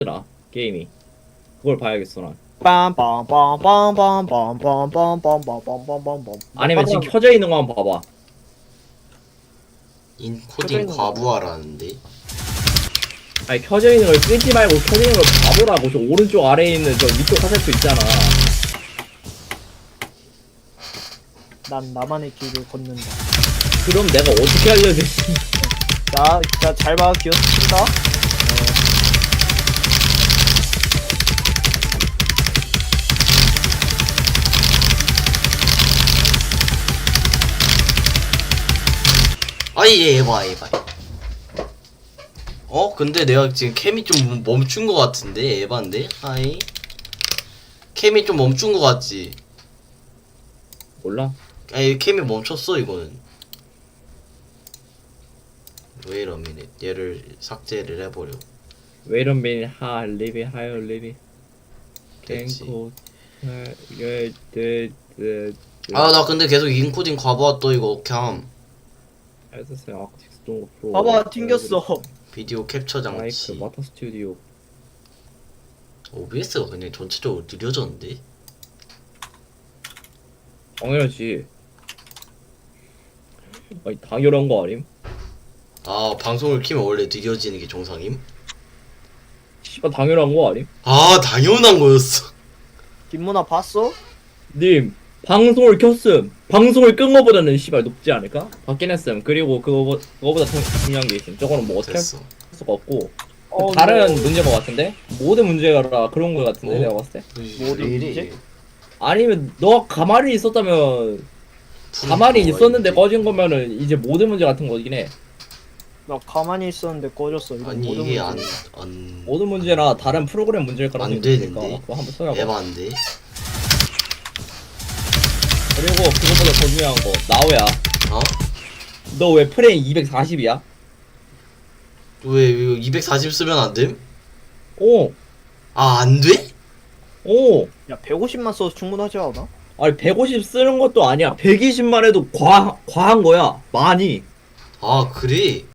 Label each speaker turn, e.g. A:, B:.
A: 나 게임이 그걸 봐야겠어 난.
B: 빰빰빰빰빰빰빰빰빰빰빰빰빰빰빰.
A: 아니면 지금 켜져 있는 거 한번 봐봐.
C: 인코딩 과부하라는데.
A: 아니 켜져 있는 걸 끄지 말고 켜져 있는 걸 봐보라고. 저 오른쪽 아래에 있는 저 위쪽 화살표 있잖아.
B: 난 나만의 길을 걷는다.
A: 그럼 내가 어떻게 알려줄지.
B: 자, 잘 봐. 기어 스친다.
C: 아이 얘봐. 근데 내가 지금 캠이 좀 멈춘 거 같은데. 에반데? 아이 캠이 좀 멈춘 거 같지?
A: 몰라?
C: 아니 캠이 멈췄어 이거는. Wait a minute. 얘를 삭제를 해버려.
A: Wait a minute, ha, live, higher, live.
C: 됐지.
A: 아,
C: 나 근데 계속 인코딩 과부하 떠 이거 캠.
A: 알았어요. 아크틱스 프로.
B: 봐봐, 튕겼어.
C: 비디오 캡처
A: 마이크,
C: 장치.
A: 마터 스튜디오.
C: OBS가 그냥 전체적으로 느려졌는데?
A: 당연하지. 아니 당연한 거 아님?
C: 아 방송을 키면 원래 느려지는 게 정상임?
A: 씨발 당연한 거 아님?
C: 아 당연한 거였어.
B: 김문아 봤어?
A: 님 방송을 켰음. 방송을 끈 거보다는 씨발 높지 않을까? 받긴 했음. 그리고 그거보다 더 중요한 게 있음. 저거는 뭐 어떻게 할
C: 됐어.
A: 수가 없고 다른 문제인 것 같은데? 모든 문제가 그런 거 같은데 내가 봤을 때?
B: 뭐든
C: 왜 이래?
B: 문제?
A: 아니면 너 가만히 있었다면 가만히 있었는데 꺼진 거면은 이제 모든 문제 같은 거긴 해.
B: 나 가만히 있었는데 꺼졌어. 이거
C: 아니
B: 모든
C: 이게
B: 문제.
C: 안
A: 모든 문제나 다른 프로그램 문제일 거라서
C: 안 되는데?
A: 그거 한번 써야봐.
C: 에반데?
A: 그리고 그것보다 더 중요한 거 나오야.
C: 어?
A: 너 왜 프레임 240이야?
C: 왜 이거 240 쓰면 안 됨?
A: 오!
C: 아 안 돼?
A: 오!
B: 야, 150만 써도 충분하지 않아?
A: 아니 150 쓰는 것도 아니야. 120만 해도 과한 거야. 많이.
C: 아 그래?